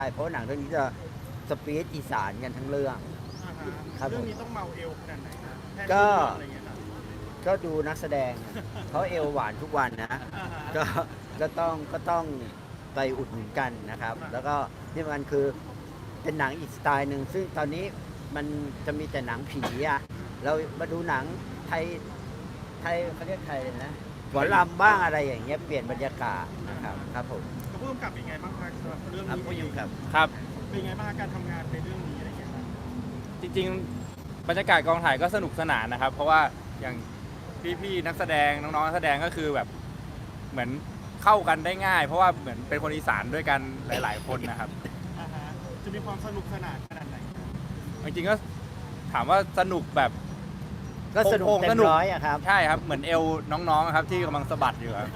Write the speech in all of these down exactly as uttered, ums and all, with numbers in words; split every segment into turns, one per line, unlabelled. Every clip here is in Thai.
เพราะหนังเรื่องนี้จะสปีดอีสานกันทั้งเรื่องครับผ
เรื่อง
ม
นี้ต้องเมาเอวขนาดไหนครับแทน
ก็
ที่อะไรเงี้ยครับ
ก็ดูนักแสดงเขาเอวหวานทุกวันนะ
อ่าฮะ
ก็ก็ต้องก็ต้องไปอุดหนุนกันนะครับ แล้วก็ที่สำคัญคือเป็นหนังอีกสไตล์หนึ่งซึ่งตอนนี้มันจะมีแต่หนังผีอะเรามาดูหนังไทยไทยเขาเรียกไทยเลยนะหมอลำบ้างอะไรอย่างเงี้ยเปลี่ยนบรรยากาศนะครับครับผม
กับผู้กำกับเป็นไงบ้างครับสำหรับเรื่อง
ครับ
นี้
ผู้ยุ่งครับ
ครับ
เป็นไงบ้างการทำงานในเรื่องนี้อะไรเงี้ยครับ
จริงๆบรรยากาศกองถ่ายก็สนุกสนานนะครับ เพราะว่าอย่างพี่ๆนักแสดงน้องๆนักแสดงก็คือแบบเหมือนเข้ากันได้ง่าย เพราะว่าเหมือนเป็นคนอีสานด้วยกันหลาย ๆ คนนะครับ
อ่าฮะจะมีความสนุกสนานขนาดไหน
จริงๆก็ถามว่าสนุกแบบ
ก็สนุก
โป่งๆ
เต็
ส
ม
นุก
ร้อยอะครับ
ใช่ครับเหมือนเอวน้องๆครับที่กำลังสะบัดอยู่ครับ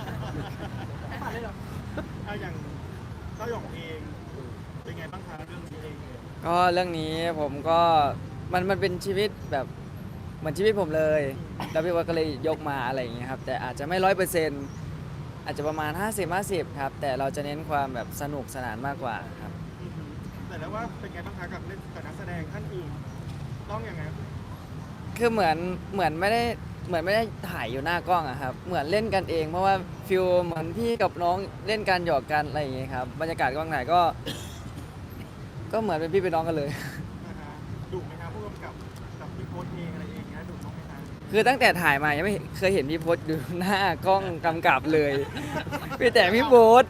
อ่าอย่างเต้าหยองเองเป็นไงบ้างคะเรื่องนี้เอง
ก็เรื่องนี้ผมก็มันมันเป็นชีวิตแบบเหมือนชีวิตผมเลยแล้วพี่ว่าก็เลยยกมาอะไรอย่างเงี้ยครับแต่อาจจะไม่ร้อยเปอร์เซ็นต์อาจจะประมาณ ห้าสิบ ห้าสิบ ครับแต่เราจะเน้นความแบบสนุกสนานมากกว่าครับ
อือฮึแต่แล้วว่าเป็นไงบ้างคะกับเล่นกับนักแสดงท่านอื่นต้องยังไง
คือเหมือนเหมือนไม่ได้เหมือนไม่ได้ถ่ายอยู่หน้ากล้องอะครับเหมือนเล่นกันเอง เพราะว่าฟิลเหมือนพี่กับน้องเล่นกันหยอกกันอะไรอย่างเงี้ยครับบรรยากาศกล้องถ่ายก็ ก็เหมือนเป็นพี่เป็นน้องกันเลย
อ่าฮะดุไหมครับผู้กำกับกับพี่โพสเองอะไรเองเงี้ยดุบ้างไหมคะ
คือตั้งแต่ถ่ายมายังไม่เคยเห็นพี่พศดูหน้ากล้องกำกับเลยพี่แต่พี่โบ๊ท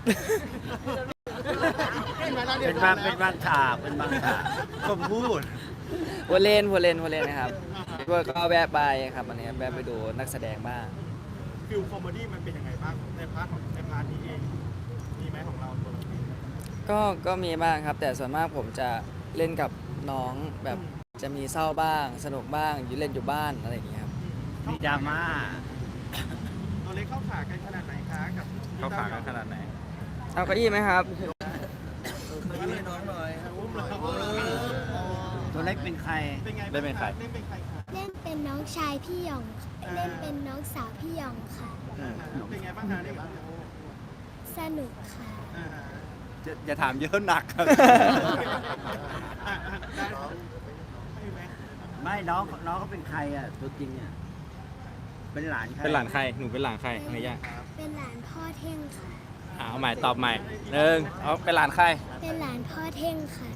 เป็นบางเป็นบางฉากเป็นบางฉากผมพูด
วัวเล่นวัวเล่นวัวเล่นนะครับพี่โบ๊ทก็แวะไปครับวันนี้แวะไปดูนักแสดงบ้าง
ฟิลคอมเมดี้มันเป็นยังไงบ้างในพาร์ทของในพาร์ทนี้เองมีไหมของเราตัวเราเอง
ก็ก็มีบ้างครับ แต่ส่วนมากผมจะเล่นกับน้องแบบจะมีเศร้าบ้าง สนุกบ้างอยู่เล่นอยู่บ้านอะไรอย่างเงี้ยครับ
มีดราม่า
ตัวเล็กเข้าขากันขนาดไหนคะกับ
เขาขากันขนาดไหน
เอาเก้าอี้ไหมครับ
น้องหน่อยอุ้มเลย
ตัวเล็กเป็นใคร
เป็นไง
เล่นเป็นใคร
เล่นเป็นใครคะ
เล่นเป็นน้องชายพี่หยองค่ะเล่นเป็นน้องสาวพี่หยองค่ะ
เป็นไงบ้างคะเล่นกับ
สนุกค่ะ
อ่า
อย่าอย่าถามเยอะหนักครับ
อ่าได้ไม่ไหม
ไม่น้องน้องเขาเป็นใครอ่ะตัวจริงอ่ะเป็นหลานใคร
เป็นหลานใครหนูเป็นหลานใครเนย่า
เป็นหลานพ่อเท่งค่ะ
อ่าเอาใหม่ตอบใหม่หนึ่งเอาเป็นหลานใคร
เป็นหลานพ่อเท่งค่ะ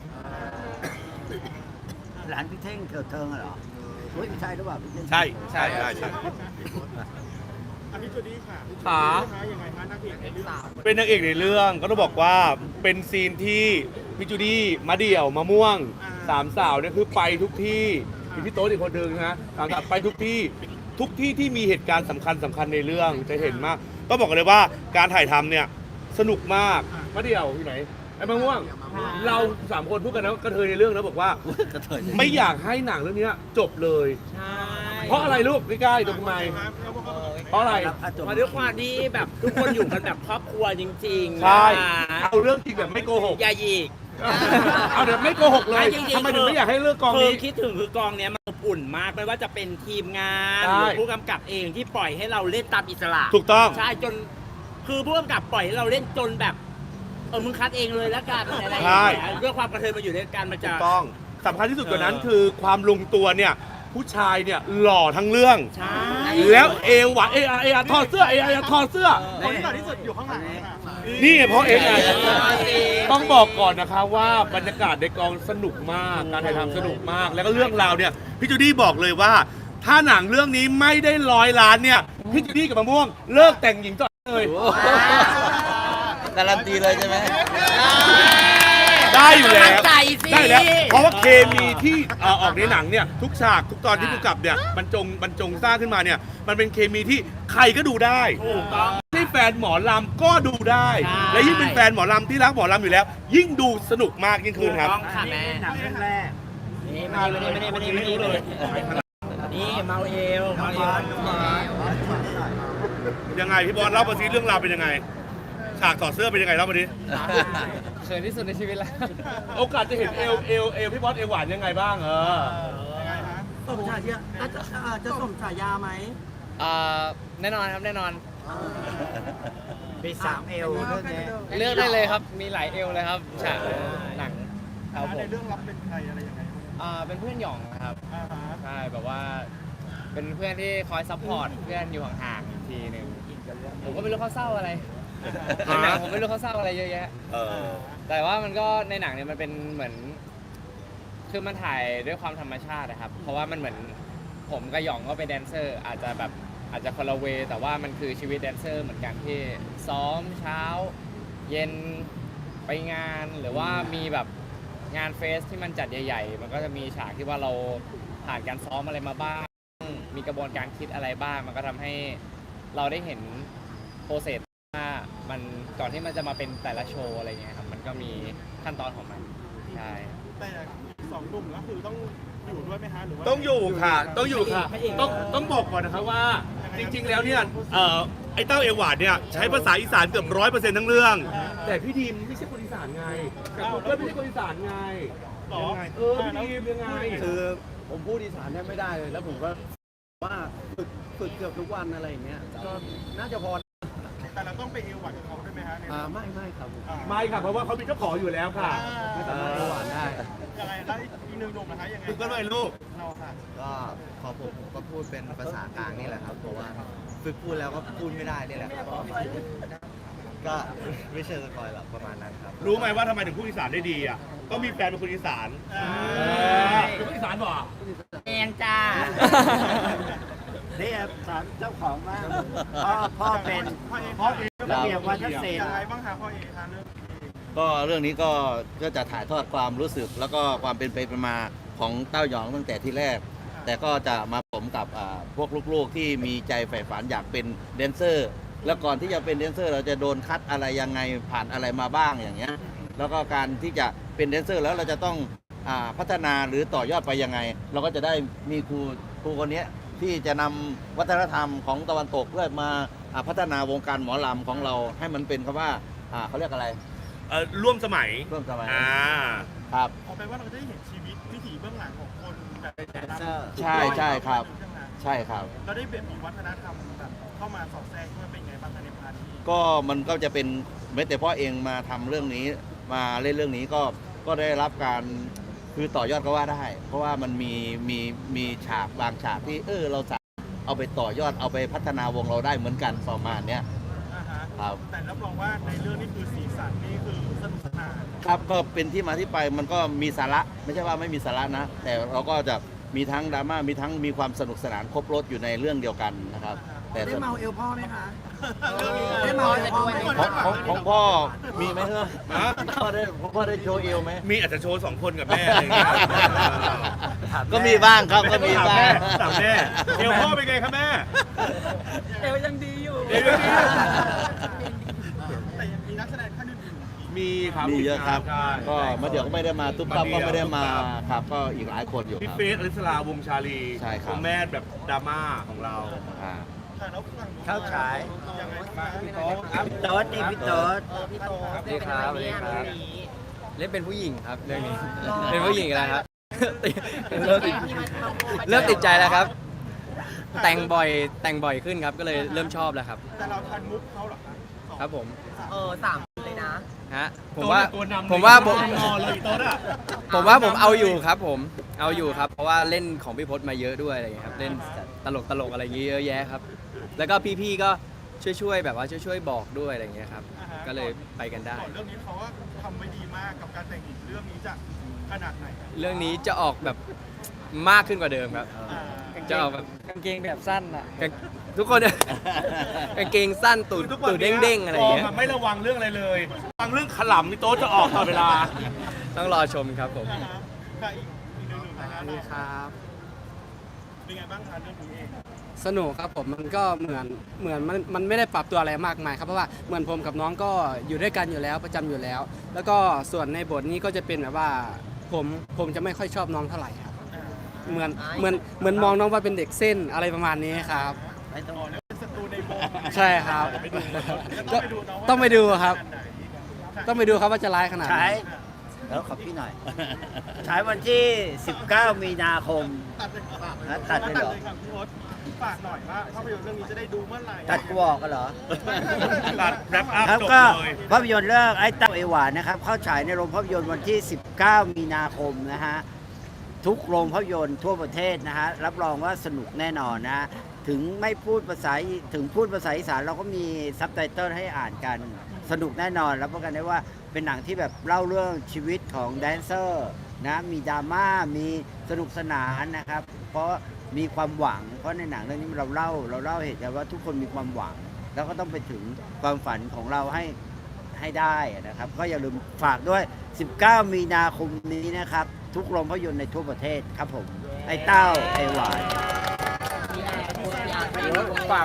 หลานพี่เท่งเถิดเทิงอะเหรอเฮ้ยไม่ใช่หรือเปล่าพี่เท่ง
ใช่ใช่ใช่ใช่
อันนี้จุดนี้ค่ะ
ขา
ยังไงคะนักเอกในเรื่อง
เป็นนางเอกในเรื่องก็ต้องบอกว่าเป็นซีนที่พี่จูดี้มาเดี่ยวมะม่วงสามสาวเนี่ยคือไปทุกที่มีพี่โต๊ดอีกคนหนึ่งนะสามสาวไปทุกที่ทุกที่ที่มีเหตุการณ์สำคัญสำคัญในเรื่องจะเห็นมากก็บอกกันเลยว่าการถ่ายทำเนี่ยสนุกมากมาเดี่ยวอยู่ไหนไอ้มะม่วง เราสามคนพูดกันนะกระเทยในเรื่องนะบอกว่า
กระเทย
ไม่อยากให้หนังเรื่องนี้จบเลย เพราะอะไรลูกใกล้ๆตรงทำไมเพราะอะไร
มาด้วยความที่แบบทุกคนอยู่กันแบบครอบครัวจริงๆ
ใช่
นะคะ
เอาเรื่องจริงแบบไม่โกหก
อย่าหยิก
เอาเดี๋ยวไม่โกหกเลย
จริงๆ
ทำไมถึงไม่อยากให้เลือกกอง
คือ
นี้
คิดถึงคือกองเนี้ยมันอบอุ่นมากไม่ว่าจะเป็นทีมงาน
ใช่
หรือผู้กำกับเองที่ปล่อยให้เราเล่นตามอิสระ
ถูกต้อง
ใช่จนคือผู้กำกับปล่อยให้เราเล่นจนแบบเออมึงคัดเองเลยแล้วกันอะไรอย่าง
ใช่
เงี้ยด้วยความกระเทยมาอยู่ด้วยกันมัน
ถู
จะ
กต้องสำคัญที่สุดกว่านั้น
เออ
คือความลงตัวเนี่ยผู้ชายเนี่ยหล่อทั้งเรื่อง
ใช่
แล้วเอวหวานเออาเออาถอดเสื้อเออาถอดเสื้อ
คนที่หล่อที่สุดอยู่ข้างหลังค่ะ
นี่ไงเพราะเองไงต้องบอกก่อนนะคะว่าบรรยากาศในกองสนุกมาก การถ่ายทำสนุกมาก แล้วก็เรื่องราวเนี่ยพี่จูดี้บอกเลยว่า ถ้าหนังเรื่องนี้ไม่ได้ร้อยล้านเนี่ยพี่จูดี้กับมะม่วงเลิกแต่งหญิงต่อเลย
การันตีเลยใช่ไหม
ได้อยู่แล้ว
ใจสิ
ได้แล้วเพราะว่าเคมีที่เอ่อออกในหนังเนี่ยทุกฉากทุกตอนที่ผู้กำกับเนี่ยบรรจงบรรจงสร้างขึ้นมาเนี่ยมันเป็นเคมีที่ใครก็ดูได้
ถูกต้อง
ไม่แฟนหมอลำก็ดูได้
ใช่
และยิ่งเป็นแฟนหมอลำที่รักหมอลำอยู่แล้ว ยิ่งดูสนุกมากยิ่งขึ้นครับ
ถูกต้องค่ะแม่
หนังเรื่องแรก
นี่มานี่มานี่มานี่มานี่เลยนี่เมาเอวเมาเอว
ยังไงพี่บอลเล่ามาสิเรื่องราวเป็นยังไงฉากถอดเสื้อเป็นยังไงเล่ามาดิ
เขินที่สุดในชีวิตแล้ว
โอกาสจะเห็นเอวเอวเอวพี่บอลเอวหวานยังไงบ้างเออ
ยังไงคะ
สมฉายาอ่ะจะอ่ะจะสมฉายาไหม
แน่นอนครับแน่นอน
มีสามเอลเรื่องนี้
เลือกได้เลยครับ มีหลายเอลเลยครับฉากหนังครับผ
ใน
ม
เรื่องรับเป็นใครอะไรยังไง
อ่าเป็นเพื่อนหยองนะครับ
อ่าฮะ
ใช่แบบว่า เป็นเพื่อนที่คอยซัพพอร์ตเพื่อนอยู่ห่างๆอีกทีหนึ่งผมก็ไม่รู้เขาเศร้าอะไรในหนังผมไม่รู้เขาเศร้าอะไรเยอะแยะ
เออ
แต่ว่ามันก็ในหนังเนี่ยมันเป็นเหมือน คือมันถ่ายด้วยความธรรมชาตินะครับ เพราะว่ามันเหมือนผมกับหยองก็เป็นแดนเซอร์ อาจจะแบบอาจจะคนละเวย์แต่ว่ามันคือชีวิตแดนเซอร์เหมือนกันที่ซ้อมเช้า เย็นไปงานหรือว่ามีแบบงานเฟสที่มันจัดใหญ่ๆ มันก็จะมีฉากที่ว่าเราผ่านการซ้อมอะไรมาบ้าง มีกระบวนการคิดอะไรบ้าง มันก็ทำให้เราได้เห็นโปรเซสว่ามันก่อนที่มันจะมาเป็นแต่ละโชว์อะไรเงี้ยครับ มันก็มีขั้นตอนของมันใช่
แต่สองหนุ่มก็คือต้องอยู่ด้วยไหมฮะหรือว่า
ต้องอยู่ค่ะ ต้องอยู่ค่ะ ต้องต้องบอกก่อนนะครับว่า จริง ๆ แล้วเนี่ยเอ่อไอ้เต้าเอวหวานเนี่ยใช้ภาษาอีสานเกือบร้อยเปอร์เซ็นต์ทั้งเรื่อง แต่พี่ดีมไม่ใช่คนอีสานไงแต่ผมก็ไม่ใช่คนอีสานไง
หรอ
เออพี่ดีมยังไง
คือผมพูดอีสานแทบไม่ได้เลย แล้วผมก็ว่าฝึกฝึกเกือบทุกวันอะไรอย่างเงี้ยก็น่าจะพอ
แต่เราต้องไปเอวหวานกับเขาด้วยไหมฮะใน
อ่าไม่ไม่ครับผม
อ่า
ไม่ค่ะ เพราะว่าเขามีเจ้าของอยู่แล้วค่ะ
ไม่สามารถหวานได้
ยังไงแล้วอีกหนึ่งหนุ่มนะคะยังไง
ฝึกกันหน่อยลูก
เราค่ะ
ก็พอผมผมก็พูดเป็นภาษากลางนี่แหละครับเพราะว่าฝึกพูดแล้วก็พูดไม่ได้นี่แหละครับก็ไม่เชิงสปอยหรอกประมาณนั้นครับ
รู้ไหมว่าทำไมถึงพูดอีสานได้ดีอ่ะ ก็มีแฟนเป็นคนอีสาน
อ่า
เป็นคนอีสานบ่
แองจ้า
นี่ถามเจ้าของบ้างพ่อพ่อเป็น
พ่อเอ
พ่อเป็นระเบียบวัฒนศิล
ยัง
ป์
ไงบ้างคะพ่อเอคะเรื่องนี้
ก็เรื่องนี้ก็ก็จะถ่ายทอดความรู้สึก แล้วก็ความเป็นไปเป็นมาของเต้าหยองตั้งแต่ที่แรก แต่ก็จะมาผมกับอ่าพวกลูกๆที่มีใจใฝ่ฝันอยากเป็นแดนเซอร์ แล้วก่อนที่จะเป็นแดนเซอร์ เราจะโดนคัดอะไรยังไงผ่านอะไรมาบ้างอย่างเงี้ยแล้วก็การที่จะเป็นแดนเซอร์แล้วเราจะต้องอ่าพัฒนาหรือต่อยอดไปยังไง เราก็จะได้มีครูครูคนเนี้ยที่จะนำวัฒนธรรมของตะวันตกเพื่อมาอ่าพัฒนาวงการหมอลำของเราให้มันเป็นคำว่าอ่าเขาเรียกอะไร
เออร่วมสมัย
ร่วมสมัย
อ่า
ครับ
เอาไปนว่าเราจะได้เห็นชีวิตวิถีเบื้องหลังของคนแบบแดนเซอร์
ใช่ใช่ครับ ใช่ครับ
เราได้แบบมีวัฒนธรรมแบบเข้ามาสอดแทรกเพื่อเป็นไงบ้างคะในพาร์ทนี้
ก็มันก็จะเป็นแม้แต่พ่อเองมาทำเรื่องนี้มาเล่นเรื่องนี้ก็ก็ได้รับการคือต่อยอดก็ว่าได้ เพราะว่ามันมีมีมีฉากบางฉากที่เออเราสามารถเอาไปต่อยอดเอาไปพัฒนาวงเราได้เหมือนกันประมาณเนี้ย
อ่าฮะ
ครับ
แต่รับรองว่าในเรื่องนี้คือสีสันนี่คือสนุกสนาน
ครับก็เป็นที่มาที่ไปมันก็มีสาระไม่ใช่ว่าไม่มีสาระนะ แต่เราก็จะมีทั้งดราม่ามีทั้งมีความสนุกสนานครบรถอยู่ในเรื่องเดียวกันนะครับ แต่
ได้เมาเอลพ่อไหมคะ
เรื่องนี้
ได้เมาเอลพ่อไหม
ของของของพ่อมีไหมเฮ้ยพ่อได้พ่อได้โชว์เอวไหม
มีอาจจะโชว์สองคนกับแม่อะไรอย่างเงี้ย
ก็มีบ้างครับก็มี
ถาม
บ้า
แม่
ง
ถามแม่เอวพ่อเป็นไงครับแม่
เอวยังดีอยู่
เอวยังดีอยู่
แต่ยังมีนักแสดงท่านอื่นๆ
มีครับ
มีเยอะครับ
ใช่
ก็มาเดี๋ยวก็ไม่ได้มาตุ๊บตับก็ไม่ได้มาครับก็อีกหลายคนอยู่
พี่
ครับ
เฟสอลิสลาวงชาลี
ใช่ครับ
ณแม่แบบดราม่าของเรา
อ่า
ค่ะแล้วฝั่งนู้น
เข้าฉาย
ยังไงบ้าง
พี่โต๊ดพี่โต๊ดนี่พี่โต๊ด
พี่โต
สวัสดีครับสวัสดีครับ เล่นเป็นผู้หญิงครับเรื่องนี้ เป็นผู้หญิงอีกแล้วครับ เริ่มติดเริ่มติดใจแล้วครับ แต่งบ่อยแต่งบ่อยขึ้นครับ ก็เลยเริ่มชอบแล้วครับ
แต่เราทันมุกเขาเหรอคะสอง
ครับผม
เออสามเลยนะ
ฮะผมว่า
ตัวนำเลย
ผมว่าผม
นอนเลยโต๊ดอะ
ผมว่าผมเอาอยู่ครับผมเอาอยู่ครับ เพราะว่าเล่นของพี่พศมาเยอะด้วยอะไรอย่างเงี้ยครับเล่นตลกตลกอะไรอย่างเงี้ยเยอะแยะครับ แล้วก็พี่ๆก็ช่วยๆแบบว่าช่วยๆบอกด้วยอะไรอย่างเงี้ยครับ
อ่าฮะ
ก็เลยไปกันได้
ก่อนเรื่องนี้เขาว่าทำไว้ดีมากกับการแต่งหญิงเรื่องนี้จะขนาดไหนอะ
เรื่องนี้จะออกแบบมากขึ้นกว่าเดิมครับ
อ่า
จะออกแบบ
กางเกงแบบสั้นอ่ะ
กางทุกคน กางเกงสั้นตูด
ทุกวัน
ตูด
นี้
เด้งๆอะไรอย่างเงี้ย
กแบบไม่ระวังเรื่องอะไรเลยระวังเรื่องขลำนี่โต๊ดจะออกตลอดเวลา
ต้องรอชมครับผม
อ่าฮะค่ะอีกอีกหนึ่งหนึ่งนะคะ
ดีครับ
เป็นไงบ้างคะเรื่องนี้เอง
สนุกครับผมมันก็เหมือนเหมือนมันมันไม่ได้ปรับตัวอะไรมากมายครับเพราะว่าเหมือนผมกับน้องก็อยู่ด้วยกันอยู่แล้วประจำอยู่แล้ว แล้วก็ส่วนในบทนี้ก็จะเป็นแบบว่าผมผมจะไม่ค่อยชอบน้องเท่าไหร่ครับ
อ่า
เหมือนเหมือนเหมือนมองน้องว่าเป็นเด็กเส้นอะไรประมาณนี้ครับ
ไม่ต้อง
อ๋อเรียกเป็นศัตรูในวง
ใช่ครับ
ไปดูต้องไปดูเนาะว่า
ต้องไปดูครับ
ขนาดไหน
ต้องไปดูครับว่าจะร้ายขนาดไหน
ฉายฉแล้วขอพี่หน่อย ฉายวันที่ สิบเก้า มีนาคม
ตัดเลยฝาก
ฮะตัดเลยเหรอ
ครับพี่พศฝากหน่อยว่าภาพยนตร์เรื่องนี้จะได้ดูเมื่อไหร่
ตัดกวอกกันเหรอ
ตัดแรปอัพ
ครับ
จบ
ก็
เลย
ภาพยนตร์เรื่องไอ้เต้าเอหวานนะครับ เข้าฉายในโรงภาพยนตร์วันที่ สิบเก้า มีนาคมนะฮะ ทุกโรงภาพยนตร์ทั่วประเทศนะฮะ รับรองว่าสนุกแน่นอนนะฮะ ถึงไม่พูดภาษาถึงพูดภาษาอีสานเราก็มีซับไตเติลให้อ่านกัน สนุกแน่นอนรับประกันได้ว่าเป็นหนังที่แบบเล่าเรื่องชีวิตของแดนเซอร์นะมีดราม่ามีสนุกสนานนะครับ เพราะมีความหวัง เพราะในหนังเรื่องนี้เราเล่าเราเล่าเหตุการณ์ว่าทุกคนมีความหวัง แล้วก็ต้องไปถึงความฝันของเราให้ให้ได้นะครับ ก็อย่าลืมฝากด้วย สิบเก้า มีนาคมนี้นะครับ ทุกโรงภาพยนตร์ในทั่วประเทศครับผม ไอ้เต้าไอ้หวาน
ฝาก